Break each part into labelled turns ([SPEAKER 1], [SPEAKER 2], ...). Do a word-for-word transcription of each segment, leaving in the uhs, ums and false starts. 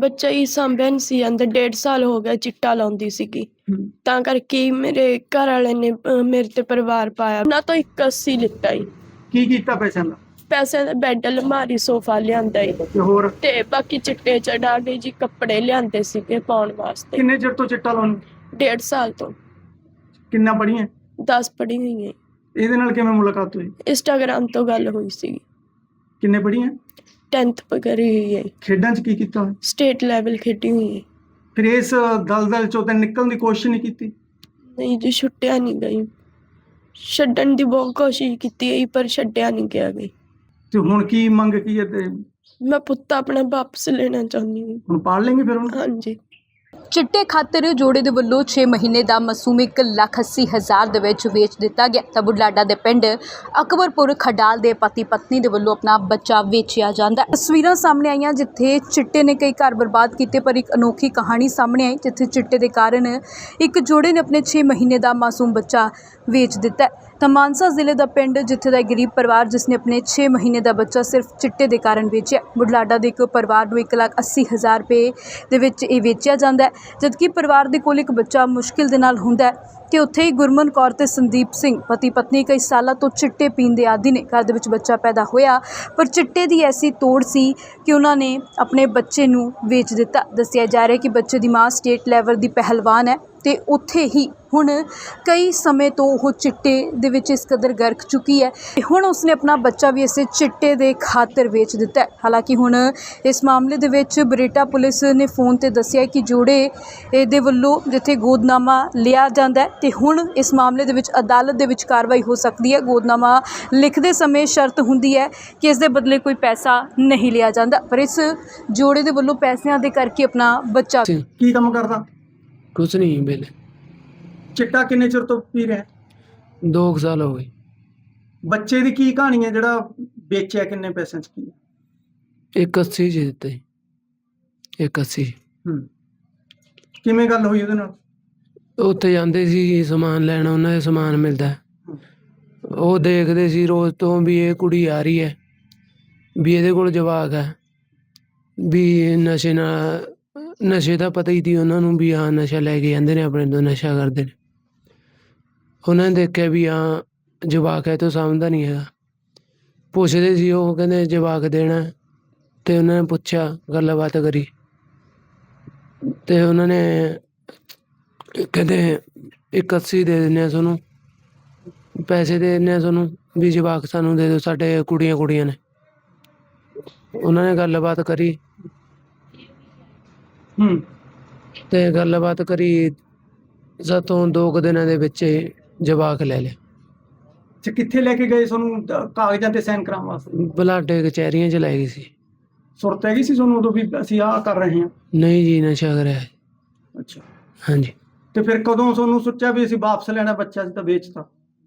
[SPEAKER 1] ਬੱਚਾ ਹੀ ਸਾਂਭਿਆ ਨਹੀਂ ਸੀ ਜਾਂਦਾ। ਡੇਢ ਸਾਲ ਹੋ ਗਿਆ ਚਿੱਟਾ ਲਾਉਂਦੀ ਸੀਗੀ, ਤਾਂ ਕਰਕੇ ਹੀ ਮੇਰੇ ਘਰ ਵਾਲੇ ਨੇ ਅਹ, ਮੇਰੇ ਤੇ ਪਰਿਵਾਰ ਪਾਇਆ। ਉਹਨਾਂ ਤੋਂ ਇੱਕ ਅੱਸੀ ਲਿੱਤਾ ਹੀ।
[SPEAKER 2] ਕੀ ਕੀਤਾ ਪੈਸਿਆਂ ਦਾ?
[SPEAKER 1] ਪੈਸੇ ਦਾ ਬੈੱਡ, ਅਲਮਾਰੀ, ਸੋਫਾ ਲਿਆਂਦਾ ਹੀ
[SPEAKER 2] ਤੇ ਹੋਰ
[SPEAKER 1] ਤੇ ਬਾਕੀ ਚਿੱਟੇ ਚੜਾ ਕੇ ਜੀ ਕੱਪੜੇ ਲਿਆਂਦੇ ਸੀਗੇ ਪਾਉਣ ਵਾਸਤੇ।
[SPEAKER 2] ਕਿੰਨੇ ਚਿਰ ਤੋਂ ਚਿੱਟਾ ਲਾਉਣ?
[SPEAKER 1] ਡੇਢ ਸਾਲ ਤੋਂ।
[SPEAKER 2] ਕਿੰਨਾ ਪੜ੍ਹੀਆਂ?
[SPEAKER 1] ਦਸ ਪੜ੍ਹੀ ਹੋਈ ਹੈ।
[SPEAKER 2] ਇਹਦੇ ਨਾਲ ਕਿਵੇਂ ਮੁਲਾਕਾਤ ਹੋਈ?
[SPEAKER 1] ਇੰਸਟਾਗ੍ਰਾਮ ਤੋਂ ਗੱਲ ਹੋਈ ਸੀ।
[SPEAKER 2] ਕਿੰਨੇ ਪੜ੍ਹੀਆਂ?
[SPEAKER 1] ਟੈਂਥ ਕਰੀ ਹੋਈ ਹੈ।
[SPEAKER 2] ਖੇਡਾਂ 'ਚ ਕੀ ਕੀਤਾ?
[SPEAKER 1] ਸਟੇਟ ਲੈਵਲ ਖੇਡੀ ਹੋਈ ਹੈ।
[SPEAKER 2] ਫਿਰ ਇਸ ਦਲਦਲ ਚੋਂ ਤਾਂ ਨਿਕਲਣ ਦੀ ਕੋਸ਼ਿਸ਼ ਨਹੀਂ ਕੀਤੀ?
[SPEAKER 1] ਨਹੀਂ ਜੀ, ਛੁੱਟਿਆ ਨਹੀਂ ਗਈ। ਛੱਡਣ ਦੀ ਬਹੁਤ ਕੋਸ਼ਿਸ਼ ਕੀਤੀ ਹੈ ਪਰ ਛੱਡਿਆ ਨਹੀਂ ਗਿਆ ਗਈ।
[SPEAKER 2] ਤੇ ਹੁਣ ਕੀ ਮੰਗ ਕੀ ਹੈ? ਤੇ
[SPEAKER 1] ਮੈਂ ਪੁੱਤ ਆਪਣਾ ਵਾਪਸ ਲੈਣਾ ਚਾਹੁੰਦੀ ਹਾਂ।
[SPEAKER 2] ਹੁਣ ਪਾਲ ਲੈਂਗੇ ਫਿਰ ਉਹਨੂੰ?
[SPEAKER 1] ਹਾਂਜੀ।
[SPEAKER 3] ਚਿੱਟੇ ਖਾਤਰ ਜੋੜੇ ਦੇ ਵੱਲੋਂ ਛੇ ਮਹੀਨੇ ਦਾ ਮਾਸੂਮ ਇੱਕ ਲੱਖ ਅੱਸੀ ਹਜ਼ਾਰ ਦੇ ਵਿੱਚ ਵੇਚ ਦਿੱਤਾ ਗਿਆ। ਤਾਂ ਬੁਢਲਾਡਾ ਦੇ ਪਿੰਡ ਅਕਬਰਪੁਰ ਖਡਾਲ ਦੇ ਪਤੀ ਪਤਨੀ ਦੇ ਵੱਲੋਂ ਆਪਣਾ ਬੱਚਾ ਵੇਚਿਆ ਜਾਂਦਾ। ਤਸਵੀਰਾਂ ਸਾਹਮਣੇ ਆਈਆਂ ਜਿੱਥੇ ਚਿੱਟੇ ਨੇ ਕਈ ਘਰ ਬਰਬਾਦ ਕੀਤੇ, ਪਰ ਇੱਕ ਅਨੋਖੀ ਕਹਾਣੀ ਸਾਹਮਣੇ ਆਈ ਜਿੱਥੇ ਚਿੱਟੇ ਦੇ ਕਾਰਨ ਇੱਕ ਜੋੜੇ ਨੇ ਆਪਣੇ ਛੇ ਮਹੀਨੇ ਦਾ ਮਾਸੂਮ ਬੱਚਾ ਵੇਚ ਦਿੱਤਾ। ਤਾਂ ਮਾਨਸਾ ਜ਼ਿਲ੍ਹੇ ਦਾ ਪਿੰਡ ਜਿੱਥੇ ਦਾ ਗਰੀਬ ਪਰਿਵਾਰ ਜਿਸ ਨੇ ਆਪਣੇ ਛੇ ਮਹੀਨੇ ਦਾ ਬੱਚਾ ਸਿਰਫ ਚਿੱਟੇ ਦੇ ਕਾਰਨ ਵੇਚਿਆ। ਬੁਢਲਾਡਾ ਦੇ ਇੱਕ ਪਰਿਵਾਰ ਨੂੰ ਇੱਕ ਲੱਖ ਅੱਸੀ ਹਜ਼ਾਰ ਰੁਪਏ ਦੇ ਵਿੱਚ ਇਹ ਵੇਚਿਆ ਜਾਂਦਾ ਹੈ, ਜਦਕਿ ਪਰਿਵਾਰ ਦੇ ਕੋਲ ਇੱਕ ਬੱਚਾ ਮੁਸ਼ਕਿਲ ਦੇ ਨਾਲ ਹੁੰਦਾ ਹੈ। ਤੇ ਉੱਥੇ ਹੀ ਗੁਰਮਨ ਕੌਰ ਤੇ ਸੰਦੀਪ ਸਿੰਘ ਪਤੀ ਪਤਨੀ ਕਈ ਸਾਲਾਂ ਤੋਂ ਚਿੱਟੇ ਪੀਣ ਦੇ ਆਦੀ ਨੇ। ਘਰ ਦੇ ਵਿੱਚ ਬੱਚਾ ਪੈਦਾ ਹੋਇਆ ਪਰ ਚਿੱਟੇ ਦੀ ਐਸੀ ਤੋੜ ਸੀ ਕਿ ਉਹਨਾਂ ਨੇ ਆਪਣੇ ਬੱਚੇ ਨੂੰ ਵੇਚ ਦਿੱਤਾ। ਦੱਸਿਆ ਜਾ ਰਿਹਾ ਕਿ ਬੱਚੇ ਦੀ ਮਾਂ ਸਟੇਟ ਲੈਵਲ ਦੀ ਪਹਿਲਵਾਨ ਹੈ ਤੇ ਉੱਥੇ ਹੀ ਹੁਣ ਕਈ ਸਮੇਂ ਤੋਂ ਉਹ ਚਿੱਟੇ ਦੇ ਵਿੱਚ ਇਸ ਕਦਰ ਗਰਕ ਚੁੱਕੀ ਹੈ ਤੇ ਹੁਣ ਉਸਨੇ ਆਪਣਾ ਬੱਚਾ ਵੀ ਇਸੇ ਚਿੱਟੇ ਦੇ ਖਾਤਰ ਵੇਚ ਦਿੱਤਾ ਹੈ। ਹਾਲਾਂਕਿ ਹੁਣ ਇਸ ਮਾਮਲੇ ਦੇ ਵਿੱਚ ਬਰੇਟਾ ਪੁਲਿਸ ਨੇ ਫੋਨ ਤੇ ਦੱਸਿਆ ਕਿ ਜੋੜੇ ਦੇ ਵੱਲੋਂ ਜਿੱਥੇ ਗੋਦਨਾਮਾ ਲਿਆ ਜਾਂਦਾ ਤੇ ਹੁਣ ਇਸ ਮਾਮਲੇ ਦੇ ਵਿੱਚ ਅਦਾਲਤ ਦੇ ਵਿੱਚ ਕਾਰਵਾਈ ਹੋ ਸਕਦੀ ਹੈ। ਗੋਦਨਾਮਾ ਲਿਖਦੇ ਸਮੇਂ ਸ਼ਰਤ ਹੁੰਦੀ ਹੈ ਕਿ ਇਸ ਦੇ ਬਦਲੇ ਕੋਈ ਪੈਸਾ ਨਹੀਂ ਲਿਆ ਜਾਂਦਾ, ਪਰ ਇਸ ਜੋੜੇ ਦੇ ਵੱਲੋਂ ਪੈਸਿਆਂ ਦੇ ਕਰਕੇ ਆਪਣਾ ਬੱਚਾ।
[SPEAKER 2] ਕੀ ਕੰਮ ਕਰਦਾ?
[SPEAKER 4] ਕੁਛ ਨਹੀਂ ਵੇਲੇ।
[SPEAKER 2] ਚਿੱਟਾ ਕਿੰਨੇ ਚਿਰ ਤੋਂ ਪੀ ਰਿਹਾ?
[SPEAKER 4] ਦੋ ਕੁ ਸਾਲ ਹੋ ਗਏ।
[SPEAKER 2] ਬੱਚੇ ਦੀ ਕੀ ਕਹਾਣੀ ਹੈ ਜਿਹੜਾ ਵੇਚਿਆ? ਕਿੰਨੇ ਪੈਸਿਆਂ 'ਚ ਕੀ?
[SPEAKER 4] ਇੱਕ ਅੱਸੀ ਚ ਦਿੱਤੇ ਸੀ। ਇੱਕ ਅੱਸੀ।
[SPEAKER 2] ਹੂੰ, ਕਿਵੇਂ ਗੱਲ ਹੋਈ ਉਹਦੇ ਨਾਲ?
[SPEAKER 4] ਉੱਥੇ ਜਾਂਦੇ ਸੀ ਸਮਾਨ ਲੈਣ, ਉਹਨਾਂ ਦੇ ਸਮਾਨ ਮਿਲਦਾ, ਉਹ ਦੇਖਦੇ ਸੀ ਰੋਜ਼ ਤੋਂ ਵੀ ਇਹ ਕੁੜੀ ਆ ਰਹੀ ਹੈ, ਵੀ ਇਹਦੇ ਕੋਲ ਜਵਾਕ ਹੈ, ਵੀ ਨਸ਼ੇ ਨਾਲ ਨਸ਼ੇ ਦਾ ਪਤਾ ਹੀ ਸੀ ਉਹਨਾਂ ਨੂੰ ਵੀ ਹਾਂ ਨਸ਼ਾ ਲੈ ਕੇ ਜਾਂਦੇ ਨੇ ਆਪਣੇ ਤੋਂ, ਨਸ਼ਾ ਕਰਦੇ ਨੇ। ਉਹਨਾਂ ਨੇ ਦੇਖਿਆ ਵੀ ਹਾਂ ਜਵਾਕ ਹੈ ਤੋਂ ਸਮਝਦਾ ਨਹੀਂ ਹੈਗਾ। ਪੁੱਛਦੇ ਸੀ, ਉਹ ਕਹਿੰਦੇ ਜਵਾਕ ਦੇਣਾ, ਅਤੇ ਉਹਨਾਂ ਨੇ ਪੁੱਛਿਆ, ਗੱਲਬਾਤ ਕਰੀ ਅਤੇ ਉਹਨਾਂ ਨੇ ਕਹਿੰਦੇ ਇੱਕ ਅੱਸੀ ਦੇ ਦਿੰਦੇ ਹਾਂ ਤੁਹਾਨੂੰ, ਪੈਸੇ ਦੇ ਦਿੰਦੇ ਹਾਂ ਤੁਹਾਨੂੰ, ਵੀ ਜਵਾਕ ਸਾਨੂੰ ਦੇ ਦਿਓ, ਸਾਡੇ ਕੁੜੀਆਂ ਕੁੜੀਆਂ ਨੇ। ਉਹਨਾਂ ਨੇ ਗੱਲਬਾਤ ਕਰੀ
[SPEAKER 2] ਹੂੰ
[SPEAKER 4] ਅਤੇ ਗੱਲਬਾਤ ਕਰੀ ਸਾਥੋਂ ਦੋ ਕੁ ਦਿਨਾਂ ਦੇ ਵਿੱਚ ਜਵਾਕ ਲੈ ਲਿਆ।
[SPEAKER 2] ਤੇ ਕਿੱਥੇ ਲੈ ਕੇ ਗਏ ਤੁਹਾਨੂੰ ਕਾਗਜ਼ਾਂ ਤੇ ਸਾਈਨ ਕਰਾਉਣ ਵਾਸਤੇ?
[SPEAKER 4] ਬੁਲਾਡੇ ਕਚਹਿਰੀਆਂ 'ਚ ਲੈ ਗਈ ਸੀ।
[SPEAKER 2] ਸੁਰਤ ਹੈਗੀ ਸੀ ਤੁਹਾਨੂੰ ਉਦੋਂ ਵੀ ਅਸੀਂ ਆਹ ਕਰ ਰਹੇ ਹਾਂ?
[SPEAKER 4] ਨਹੀਂ ਜੀ, ਨਸ਼ਾ ਕਰਿਆ।
[SPEAKER 2] ਅੱਛਾ।
[SPEAKER 4] ਹਾਂਜੀ।
[SPEAKER 2] ਤੇ ਫਿਰ ਕਦੋਂ ਤੁਹਾਨੂੰ ਸੋਚਿਆ ਵੀ ਅਸੀਂ ਵਾਪਸ ਲੈਣਾ ਬੱਚਾ? ਅਸੀਂ ਤਾਂ ਵੇਚਤਾ।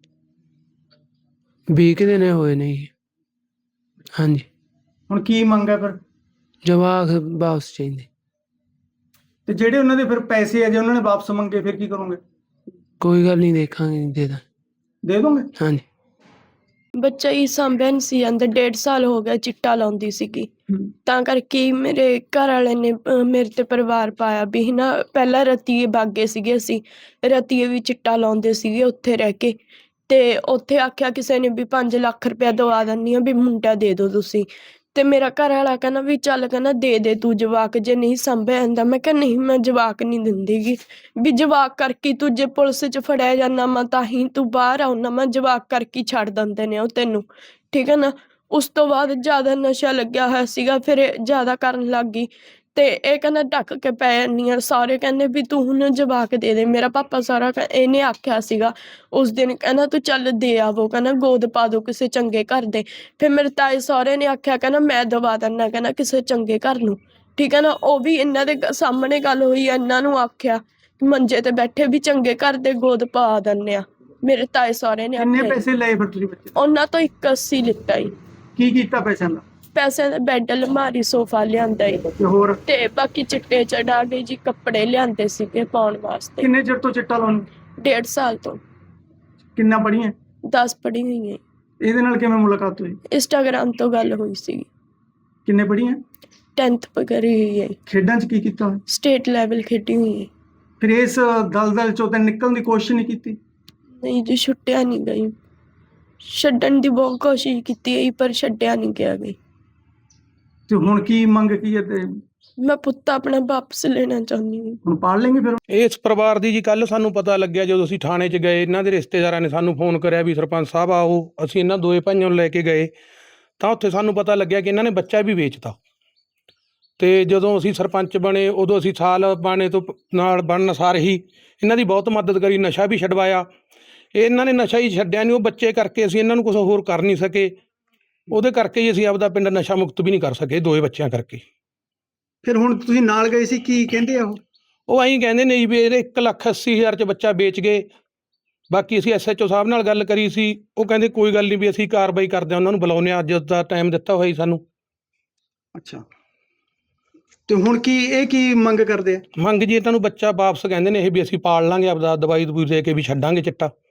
[SPEAKER 4] ਵੀਹ ਕੁ ਦਿਨ ਹੋਏ ਨੇ ਜੀ। ਹਾਂਜੀ।
[SPEAKER 2] ਹੁਣ ਕੀ ਮੰਗ ਹੈ ਫਿਰ?
[SPEAKER 4] ਜਵਾਕ ਵਾਪਸ ਚਾਹੀਦੇ।
[SPEAKER 2] ਤੇ ਜਿਹੜੇ ਉਹਨਾਂ ਦੇ ਫਿਰ ਪੈਸੇ ਆ, ਜੇ ਉਹਨਾਂ ਨੇ ਵਾਪਸ ਮੰਗੇ ਫਿਰ ਕੀ ਕਰੋਗੇ?
[SPEAKER 4] ਕੋਈ ਗੱਲ ਨਹੀਂ, ਦੇਖਾਂਗੇ, ਦੇ ਦਾਂ।
[SPEAKER 2] ਦੇ ਦੋਗੇ?
[SPEAKER 4] ਹਾਂਜੀ।
[SPEAKER 1] ਬੱਚਾ ਹੀ ਸਾਂਭਿਆ ਨਹੀਂ ਸੀ ਜਾਂਦਾ। ਡੇਢ ਸਾਲ ਹੋ ਗਿਆ ਚਿੱਟਾ ਲਾਉਂਦੀ ਸੀਗੀ, ਤਾਂ ਕਰਕੇ ਹੀ ਮੇਰੇ ਘਰ ਵਾਲੇ ਨੇ ਅਹ, ਮੇਰੇ ਤੇ ਪਰਿਵਾਰ ਪਾਇਆ ਵੀ ਨਾ। ਪਹਿਲਾਂ ਰਤੀਏ ਬਾਗੇ ਸੀਗੇ, ਅਸੀਂ ਰਤੀਏ ਵੀ ਚਿੱਟਾ ਲਾਉਂਦੇ ਸੀਗੇ ਉੱਥੇ ਰਹਿ ਕੇ, ਤੇ ਉੱਥੇ ਆਖਿਆ ਕਿਸੇ ਨੇ ਵੀ ਪੰਜ ਲੱਖ ਰੁਪਇਆ ਦਵਾ ਦਿੰਦੀ ਹਾਂ ਵੀ ਮੁੰਡਾ ਦੇ ਦਿਓ ਤੁਸੀਂ। ਤੇ ਮੇਰਾ ਘਰ ਵਾਲਾ ਕਹਿੰਦਾ ਵੀ ਚੱਲ, ਕਹਿੰਦਾ ਦੇ ਦੇ ਤੂੰ ਜਵਾਕ, ਜੇ ਨਹੀਂ ਸਾਂਭਿਆ ਜਾਂਦਾ। ਮੈਂ ਕਿਹਾ ਨਹੀਂ, ਮੈਂ ਜਵਾਕ ਨਹੀਂ ਦਿੰਦੀ ਗੀ, ਵੀ ਜਵਾਕ ਕਰਕੇ ਤੂੰ ਜੇ ਪੁਲਿਸ 'ਚ ਫੜਿਆ ਜਾਂਦਾ ਮੈਂ ਤਾਂ ਹੀ ਤੂੰ ਬਾਹਰ ਆਉਣਾ, ਮੈਂ ਜਵਾਕ ਕਰਕੇ ਛੱਡ ਦਿੰਦੇ ਨੇ ਉਹ ਤੈਨੂੰ, ਠੀਕ ਹੈ ਨਾ। ਉਸ ਤੋਂ ਬਾਅਦ ਜ਼ਿਆਦਾ ਨਸ਼ਾ ਲੱਗਿਆ ਹੋਇਆ ਸੀਗਾ, ਫਿਰ ਇਹ ਜ਼ਿਆਦਾ ਕਰਨ ਲੱਗ ਗਈ। ਤੇ ਇਹ ਕਹਿੰਦਾ ਢੱਕ ਕੇ ਪੈ ਜਾਂਦੀ ਆ। ਸਾਰੇ ਕਹਿੰਦੇ ਵੀ ਤੂੰ ਹੁਣ ਜਵਾਕ ਦੇ ਦੇ। ਮੇਰਾ ਪਾਪਾ ਸਾਰਾ ਇਹਨੇ ਆਖਿਆ ਸੀਗਾ ਉਸ ਦਿਨ, ਕਹਿੰਦਾ ਤੂੰ ਚੱਲ ਦੇ ਆਵੋ, ਕਹਿੰਦਾ ਗੋਦ ਪਾ ਦੋ ਕਿਸੇ ਚੰਗੇ ਘਰ ਦੇ। ਫਿਰ ਮੇਰੇ ਤਾਏ ਸਹੁਰੇ ਨੇ ਆਖਿਆ, ਕਹਿੰਦਾ ਮੈਂ ਦਵਾ ਦਿੰਦਾ, ਕਹਿੰਦਾ ਕਿਸੇ ਚੰਗੇ ਘਰ ਨੂੰ, ਠੀਕ ਹੈ ਨਾ। ਉਹ ਵੀ ਇਹਨਾਂ ਦੇ ਸਾਹਮਣੇ ਗੱਲ ਹੋਈ, ਇਹਨਾਂ ਨੂੰ ਆਖਿਆ ਮੰਜੇ ਤੇ ਬੈਠੇ ਵੀ ਚੰਗੇ ਘਰ ਦੇ ਗੋਦ ਪਾ ਦਿੰਦੇ ਆ। ਮੇਰੇ ਤਾਏ ਸਹੁਰੇ ਨੇ
[SPEAKER 2] ਕਿੰਨੇ
[SPEAKER 1] ਆਖਿਆ।
[SPEAKER 2] ਪੈਸੇ ਲਏ ਫਿਰ ਤੁਸੀਂ ਬੱਚੇ?
[SPEAKER 1] ਉਹਨਾਂ ਤੋਂ ਇੱਕ ਅੱਸੀ ਲਿੱਤਾ ਹੀ।
[SPEAKER 2] ਕੀ ਕੀਤਾ ਪੈਸਿਆਂ ਦਾ?
[SPEAKER 1] ਪੈਸੇ ਦਾ ਬੈੱਡ, ਅਲਮਾਰੀ, ਸੋਫਾ ਲਿਆਂਦਾ ਹੀ
[SPEAKER 2] ਤੇ ਹੋਰ
[SPEAKER 1] ਤੇ ਬਾਕੀ ਚਿੱਟੇ ਚੜਾ ਕੇ ਜੀ ਕੱਪੜੇ ਲਿਆਂਦੇ ਸੀਗੇ ਪਾਉਣ ਵਾਸਤੇ।
[SPEAKER 2] ਕਿੰਨੇ ਚਿਰ ਤੋਂ ਚਿੱਟਾ ਲਾਉਣ?
[SPEAKER 1] ਡੇਢ ਸਾਲ ਤੋਂ।
[SPEAKER 2] ਕਿੰਨਾ ਪੜ੍ਹੀਆਂ?
[SPEAKER 1] ਦਸ ਪੜ੍ਹੀ ਹੋਈ ਹੈ।
[SPEAKER 2] ਇਹਦੇ ਨਾਲ ਕਿਵੇਂ ਮੁਲਾਕਾਤ ਹੋਈ?
[SPEAKER 1] ਇੰਸਟਾਗ੍ਰਾਮ ਤੋਂ ਗੱਲ ਹੋਈ ਸੀ।
[SPEAKER 2] ਕਿੰਨੇ ਪੜ੍ਹੀਆਂ?
[SPEAKER 1] ਟੈਂਥ ਕਰੀ ਹੋਈ ਹੈ।
[SPEAKER 2] ਖੇਡਾਂ 'ਚ ਕੀ ਕੀਤਾ ਹੋਇਆ?
[SPEAKER 1] ਸਟੇਟ ਲੈਵਲ ਖੇਡੀ ਹੋਈ ਹੈ।
[SPEAKER 2] ਫਿਰ ਇਸ ਦਲਦਲ ਚੋਂ ਤਾਂ ਨਿਕਲਣ ਦੀ ਕੋਸ਼ਿਸ਼ ਨਹੀਂ ਕੀਤੀ?
[SPEAKER 1] ਨਹੀਂ ਜੀ, ਛੁੱਟਿਆ ਨਹੀਂ ਗਈ। ਛੱਡਣ ਦੀ ਬਹੁਤ ਕੋਸ਼ਿਸ਼ ਕੀਤੀ ਗਈ ਪਰ ਛੱਡਿਆ ਨਹੀਂ ਗਿਆ ਗਈ।
[SPEAKER 2] ਤੇ ਹੁਣ ਕੀ ਮੰਗ ਕੀ ਹੈ? ਤੇ
[SPEAKER 1] ਮੈਂ ਪੁੱਤ ਆਪਣਾ ਵਾਪਸ ਲੈਣਾ ਚਾਹੁੰਦੀ ਹਾਂ।
[SPEAKER 2] ਹੁਣ ਪਾਲ ਲੈਂਗੇ ਫਿਰ?
[SPEAKER 5] ਇਸ ਪਰਿਵਾਰ ਦੀ ਜੀ ਕੱਲ ਸਾਨੂੰ ਪਤਾ ਲੱਗਿਆ ਜਦੋਂ ਅਸੀਂ ਥਾਣੇ 'ਚ ਗਏ, ਇਹਨਾਂ ਦੇ ਰਿਸ਼ਤੇਦਾਰਾਂ ਨੇ ਸਾਨੂੰ ਫੋਨ ਕਰਿਆ ਵੀ ਸਰਪੰਚ ਸਾਹਿਬ ਆਓ। ਅਸੀਂ ਇਹਨਾਂ ਦੋਏ ਭਾਈਆਂ ਨੂੰ ਲੈ ਕੇ ਗਏ ਤਾਂ ਉੱਥੇ ਸਾਨੂੰ ਪਤਾ ਲੱਗਿਆ ਕਿ ਇਹਨਾਂ ਨੇ ਬੱਚਾ ਵੀ ਵੇਚਤਾ। ਤੇ ਜਦੋਂ ਅਸੀਂ ਸਰਪੰਚ ਬਣੇ ਉਦੋਂ ਅਸੀਂ ਸਾਲ ਬਾਣੇ ਤੋਂ ਪ- ਨਾਲ ਬਣਨ ਸਾਰ ਹੀ ਇਹਨਾਂ ਦੀ ਬਹੁਤ ਮਦਦ ਕਰੀ, ਨਸ਼ਾ ਵੀ ਛਡਵਾਇਆ। ਇਹਨਾਂ ਨੇ ਨਸ਼ਾ ਹੀ ਛੱਡਿਆ ਨਹੀਂ, ਉਹ ਬੱਚੇ ਕਰਕੇ ਅਸੀਂ ਇਹਨਾਂ ਨੂੰ ਕੁਝ ਹੋਰ ਕਰ ਨਹੀਂ ਸਕੇ। ਉਹਦੇ ਕਰਕੇ ਹੀ ਅਸੀਂ ਆਪਦਾ ਪਿੰਡ ਨਸ਼ਾ ਮੁਕਤ ਵੀ ਨਹੀਂ ਕਰ ਸਕੇ, ਦੋਏ ਬੱਚਿਆਂ ਕਰਕੇ।
[SPEAKER 2] ਫਿਰ ਹੁਣ ਤੁਸੀਂ ਨਾਲ ਗਏ ਸੀ, ਕੀ ਕਹਿੰਦੇ ਆ ਉਹ?
[SPEAKER 5] ਉਹ ਐਂ ਕਹਿੰਦੇ ਨੇ ਜੀ ਵੀ ਇਹਦੇ ਇੱਕ ਲੱਖ ਅੱਸੀ ਹਜ਼ਾਰ 'ਚ ਬੱਚਾ ਵੇਚ ਗਏ। ਬਾਕੀ ਅਸੀਂ ਐਸ ਐਚ ਓ ਸਾਹਿਬ ਨਾਲ ਗੱਲ ਕਰੀ ਸੀ, ਉਹ ਕਹਿੰਦੇ ਕੋਈ ਗੱਲ ਨਹੀਂ ਵੀ ਅਸੀਂ ਕਾਰਵਾਈ ਕਰਦੇ ਹਾਂ, ਉਹਨਾਂ ਨੂੰ ਬੁਲਾਉਂਦੇ ਹਾਂ, ਅੱਜ ਦਾ ਟਾਈਮ ਦਿੱਤਾ ਹੋਇਆ ਜੀ ਸਾਨੂੰ।
[SPEAKER 2] ਅੱਛਾ, ਤੇ ਹੁਣ ਕੀ ਇਹ ਕੀ ਮੰਗ ਕਰਦੇ ਆ?
[SPEAKER 5] ਮੰਗ ਜੀ ਇਹਨਾਂ ਨੂੰ ਬੱਚਾ ਵਾਪਸ ਕਹਿੰਦੇ ਨੇ ਇਹ ਵੀ ਅਸੀਂ ਪਾਲ ਲਾਂਗੇ, ਆਪਦਾ ਦਵਾਈ ਦਵੂਈ ਦੇ ਕੇ ਵੀ ਛੱਡਾਂਗੇ ਚਿੱਟਾ।